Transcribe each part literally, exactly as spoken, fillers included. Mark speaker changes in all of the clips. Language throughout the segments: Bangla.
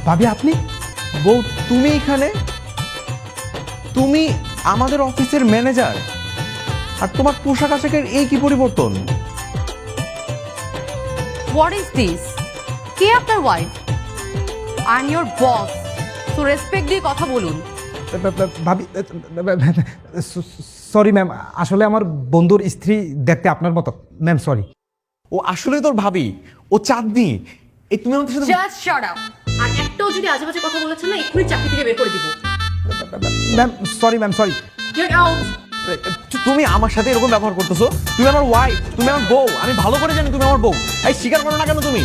Speaker 1: ভাবি আপনি?
Speaker 2: বউ তুমি এখানে? তুমি আমাদের অফিসের ম্যানেজার, আর তোমার পোশাক আশাকের এই কি পরিবর্তন?
Speaker 3: What is this? কে আপনার wife? I am your boss, so respect দিয়ে কথা বলুন।
Speaker 1: ভাবি সরি ম্যাম, আসলে আমার বন্ধুর স্ত্রী দেখতে আপনার মতো ম্যাম, সরি।
Speaker 2: ও আসলে তোর ভাবি, ও চাঁদনি। এই তুমি আমাদের সাথে
Speaker 3: জাস্ট শাট আপ। আর একটাও যদি আজেবাজে কথা বলেছেন না, এক্ষুনি চাকরি থেকে বের করে দিব।
Speaker 1: Ma'am sorry, ma'am sorry.
Speaker 3: Get out.
Speaker 2: তুমি আমার সাথে এরকম ব্যবহার করতেছো? তুমি আমার ওয়াইফ, তুমি আমার বউ, আমি ভালো করে জানি তুমি আমার বউ। এই স্বীকার করো না কেন তুমি?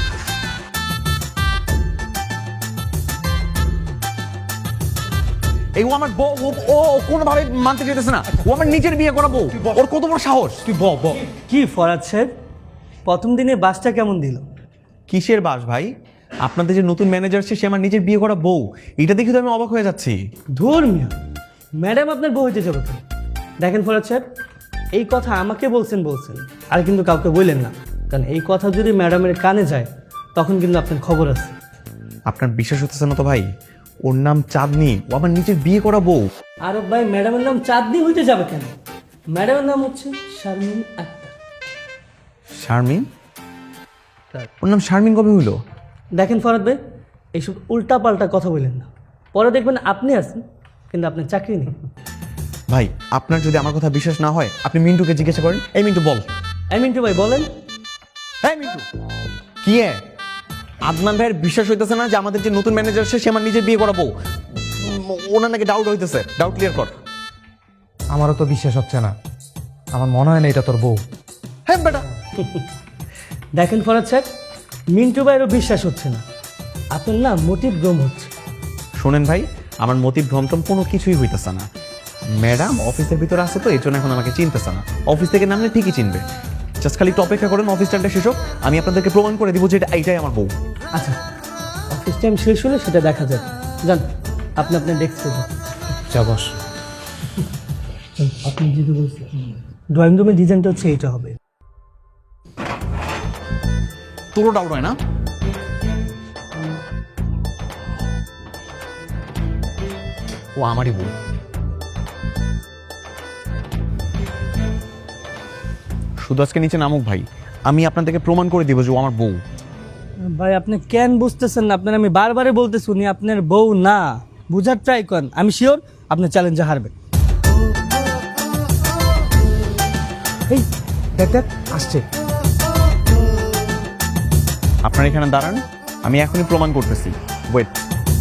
Speaker 2: এই ও আমার বউ, ও- ও কোনোভাবে মানতে চাইতেছে না। ও আমার নিজের বিয়ে করা বউ, ওর কত বড় সাহস!
Speaker 1: তুই ব ব
Speaker 4: কি ফরাদ সাহেব, প্রথম দিনে বাসটা কেমন দিল?
Speaker 2: কিসের বাস ভাই? আপনাদের যে নতুন ম্যানেজার সে আমার নিজের বিয়ে করা বউ, এটা দেখে তো আমি অবাক হয়ে যাচ্ছি।
Speaker 4: ধর্মীয় ম্যাডাম আপনার বউ হইতে যাবে কেন? দেখেন ফরাদ সাহেব, এই কথা আমাকে বলছেন বলছেন আর কিন্তু কাউকে বললেন না, কারণ এই কথা যদি ম্যাডামের কানে যায় তখন কিন্তু আপনার খবর আছে।
Speaker 2: আপনার বিশ্বাস হতেছে না তো ভাই? ওর নাম চাঁদনি, ও আমার নিজের বিয়ে করা বউ।
Speaker 4: আর ভাই ম্যাডামের নাম চাঁদনি হইতে যাবে কেন? ম্যাডামের নাম হচ্ছে শারমিন আক্তার।
Speaker 2: শারমিন? ওর নাম শারমিন কবে হইলো?
Speaker 4: দেখেন ফরাদ ভাই, এইসব উল্টা পাল্টা কথা বললেন না, পরে দেখবেন আপনি আছেন কিন্তু আপনার চাকরি নেই।
Speaker 2: ভাই আপনার যদি আমার কথা বিশ্বাস না হয়, আপনি মিন্টুকে জিজ্ঞাসা করেন। এই মিন্টু বল।
Speaker 4: এই মিন্টু ভাই বলেন।
Speaker 2: হ্যাঁ মিন্টু, কি এ? আদনান ভাইয়ের বিশ্বাস হইতেছে না যে আমাদের যে নতুন ম্যানেজার সে আমার নিজের বিয়ে করা বউ। উম, ওনার নাকি ডাউট হইতেছে, ডাউট ক্লিয়ার কর।
Speaker 1: আমারও তো বিশ্বাস হচ্ছে না, আমার মনে হয় না এটা তোর বউ।
Speaker 2: হ্যাঁ বেটা,
Speaker 4: দেখেন ফরাদ সাহেব, মিন্টু ভাইয়েরও বিশ্বাস হচ্ছে না, আপনার না মোটিভ ভ্রম হচ্ছে।
Speaker 2: শোনেন ভাই, আমার মতি ভ্রমটম কোনো কিছুই হইতেছে না। ম্যাডাম অফিসের ভিতরে আছে তো এই জন্য এখন আমাকে চিনতেছে না। অফিস থেকে নামলে ঠিকই চিনবে। জাস্ট খালি একটু অপেক্ষা করেন, অফিস টাইমটা শেষ হোক, আমি আপনাদেরকে প্রমাণ করে দিব যে এটা এইটাই আমার বউ।
Speaker 4: আচ্ছা, অফিস টাইম শেষ হলে সেটা দেখা যাবে। যান আপনি আপনার ডেস্কে যান।
Speaker 1: যা বস।
Speaker 4: আপনি যেটা বলছেন ড্রয়িং রুমের ডিজাইনটা হচ্ছে এইটা হবে।
Speaker 2: তোরও ডাউট হয় না? ও আমারই বউ। শুধু আজকে নিচে নামুক ভাই, আমি আপনাদেরকে প্রমাণ করে দিব যে ও আমার বউ।
Speaker 4: ভাই আপনি কেন বুঝতেছেন না? আপনার আমি বারবারে বলতেছি উনি আপনার বউ না, বুঝার ট্রাই করেন। আমি শিওর আপনার চ্যালেঞ্জে হারবেন।
Speaker 1: এই দেখ দেখ আসছে।
Speaker 2: আপনারা এখানে দাঁড়ান, আমি এখনই প্রমাণ করতেছি। ওয়েট।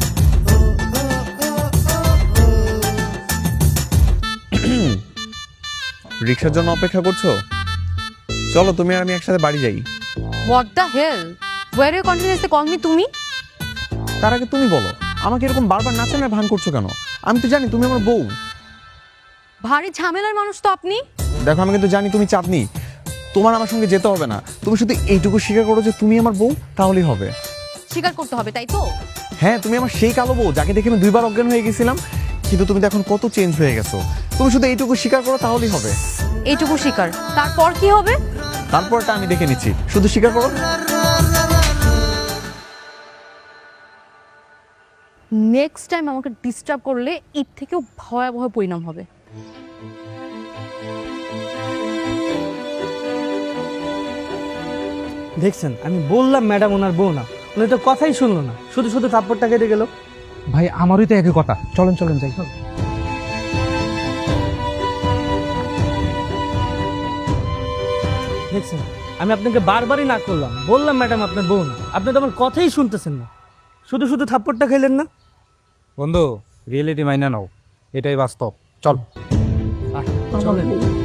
Speaker 2: রিক্সার জন্য অপেক্ষা করছো? চলো তুমি আর আমি একসাথে বাড়ি যাই।
Speaker 3: What the hell? Were you continuously call me তুমি?
Speaker 2: তার আগে তুমি বলো, আমাকে এরকম বারবার নাচানোর ভান করছো কেন? আমি তো জানি তুমি আমার বউ।
Speaker 3: ভারী ঝামেলার মানুষ তো আপনি।
Speaker 2: দেখো আমি কিন্তু জানি তুমি চাঁদনি, তোমার আমার সঙ্গে যেতে হবে না। তুমি শুধু এইটুকু স্বীকার করো যে তুমি আমার বউ, তাহলেই হবে।
Speaker 3: স্বীকার করতে হবে তাই তো?
Speaker 2: হ্যাঁ, তুমি আমার সেই কালো বউ যাকে দেখে আমি দুইবার অজ্ঞান হয়ে গেছিলাম, কিন্তু তুমি তো এখন কত চেঞ্জ হয়ে গেছো। তুমি শুধু এইটুকু স্বীকার করো তাহলেই হবে।
Speaker 3: এইটুকু স্বীকার, তারপর কি হবে?
Speaker 2: তারপরটা আমি দেখে নিচ্ছি, শুধু স্বীকার করো।
Speaker 3: নেক্সট টাইম আমাকে ডিস্টার্ব করলে এর থেকেও ভয়াবহ পরিণাম হবে।
Speaker 4: দেখছেন, আমি বললাম ম্যাডাম ওনার বউ না, উনি তো কথাই শুনলো না, শুধু শুধু থাপ্পড়টা কেটে গেল।
Speaker 1: ভাই আমারই তো একই কথা, চলেন চলেন যাই।
Speaker 4: দেখছেন, আমি আপনাকে বারবারই না করলাম, বললাম ম্যাডাম আপনার বউ না, আপনি তো আমার কথাই শুনতেছেন না, শুধু শুধু থাপ্পড়টা খেলেন না।
Speaker 1: বন্ধু রিয়েলিটি মাইনা নাও, এটাই বাস্তব। চল
Speaker 4: চলেন।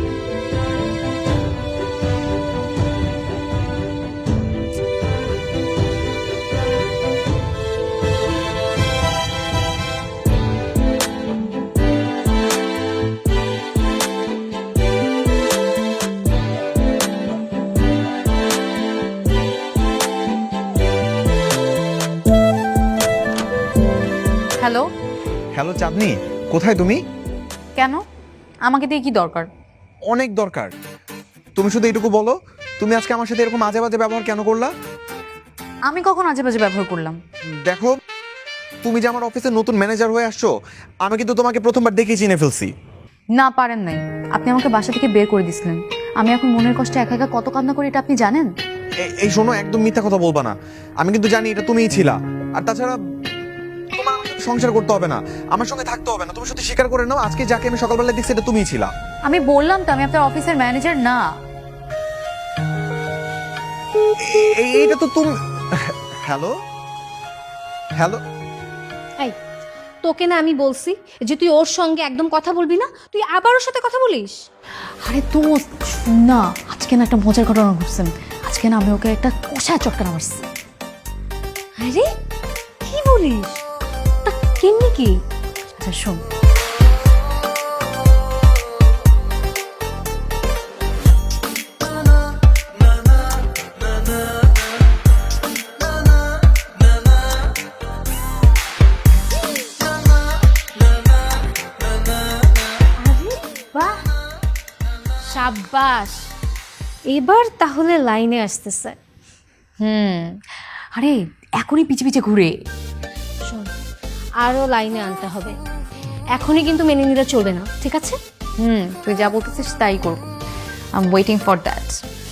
Speaker 3: হ্যালো,
Speaker 2: হ্যালো চাঁদনি, কোথায় তুমি?
Speaker 3: কেন? আমাকে দিয়ে কি দরকার?
Speaker 2: অনেক দরকার। তুমি শুধু এইটুকু বলো, তুমি আজকে আমার সাথে এরকম আজে বাজে ব্যবহার কেন করলা?
Speaker 3: আমি কখন আজে বাজে ব্যবহার করলাম?
Speaker 2: দেখো তুমি যে আমার অফিসে নতুন ম্যানেজার হয়ে আসছো, আমি কিন্তু তোমাকে প্রথমবার দেখে চিনে ফেলছি।
Speaker 3: না পারেন নাই, আপনি আমাকে বাসা থেকে বের করে দিছিলেন। আমি এখন মনের কষ্টে একা একা কত কান্না করি এটা আপনি জানেন?
Speaker 2: এ- এই শোনো, একদম মিথ্যা কথা বলবা না। আমি কিন্তু জানি এটা তুমিই ছিলা। আর তাছাড়া তোমার আমার সাথে সংসার করতে হবে না, আমার সঙ্গে থাকতে হবে না। তুমি শুধু স্বীকার করে নাও, আজকে যাকে আমি সকালবেলা দেখছি এটা তুমিই ছিলা।
Speaker 3: আমি বললাম তো আমি আপনার অফিসের ম্যানেজার না।
Speaker 2: এ- এই- এইটা তো তুমি। হ্যালো হ্যালো
Speaker 5: এই তোকে না আমি বলছি যে তুই ওর সঙ্গে একদম কথা বলবি না, তুই আবার ওর সাথে কথা বলিস।
Speaker 3: আরে তো না, আজকে না একটা মজার ঘটনা ঘটছেন। আজকে না আমি ওকে একটা কষায় চটকানা মারছি।
Speaker 5: আরে কি বলিস? তা কেমনি কি?
Speaker 3: আচ্ছা শোন,
Speaker 5: বাহ, সাব্বাস, এবার তাহলে লাইনে আসতেছে।
Speaker 3: হুম, আরে এখনই পিছে পিছে ঘুরে।
Speaker 5: শোন, আরও লাইনে আনতে হবে। এখনই কিন্তু মেনে নিলে চলবে না, ঠিক আছে?
Speaker 3: হুম, তুই যা বলতেছিস তাই করবো। I am waiting for that.